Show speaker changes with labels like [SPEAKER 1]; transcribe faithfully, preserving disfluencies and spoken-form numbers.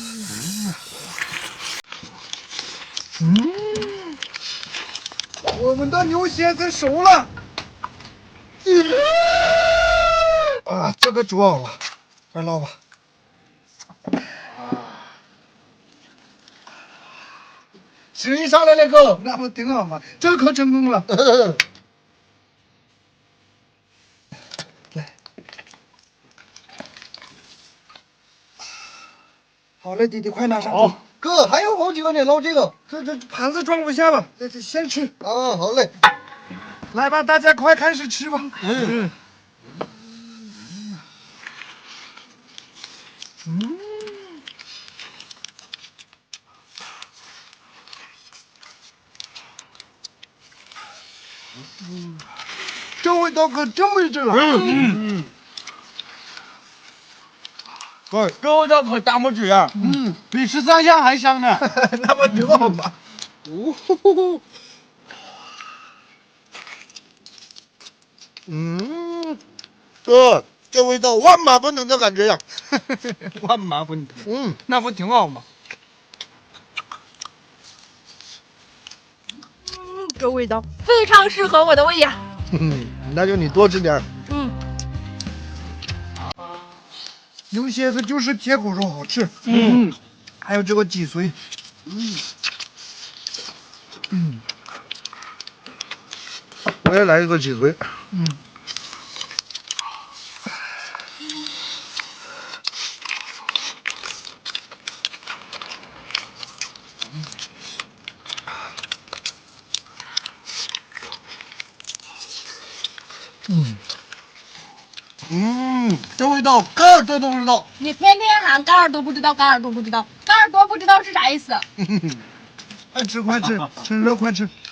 [SPEAKER 1] 嗯，我们的牛蝎子熟了。啊，这个煮好了，快捞吧。声音上来了哥，那不挺好吗？这可成功了。来，好嘞，弟弟，快拿上去。
[SPEAKER 2] 哥，还有好几个，你捞这个。
[SPEAKER 1] 这这盘子装不下了，这这先吃。
[SPEAKER 2] 啊，好嘞。
[SPEAKER 1] 来吧，大家快开始吃吧。嗯。嗯。嗯，这味道可真没劲啊！嗯嗯。
[SPEAKER 2] 哥，这味道可当不起啊！
[SPEAKER 1] 嗯，比十三香还香呢。那不挺好吗？
[SPEAKER 2] 呜呼呼呼。嗯，哥，这味道万马奔腾的感觉呀！
[SPEAKER 1] 万马奔腾。
[SPEAKER 2] 嗯，
[SPEAKER 1] 那不挺好吗？
[SPEAKER 3] 嗯，这味道非常适合我的胃呀。
[SPEAKER 2] 嗯，那就你多吃点。
[SPEAKER 3] 嗯。
[SPEAKER 1] 牛蝎子就是铁骨肉好吃。嗯。还有这个脊髓。嗯。嗯。
[SPEAKER 2] 我也来一个脊髓。
[SPEAKER 1] 嗯。嗯。嗯，这味道嘎耳朵都知道。
[SPEAKER 3] 你天天喊嘎耳朵不知道，嘎耳朵不知道，嘎耳朵不知道是啥意思？
[SPEAKER 1] 快吃快吃，趁热快吃。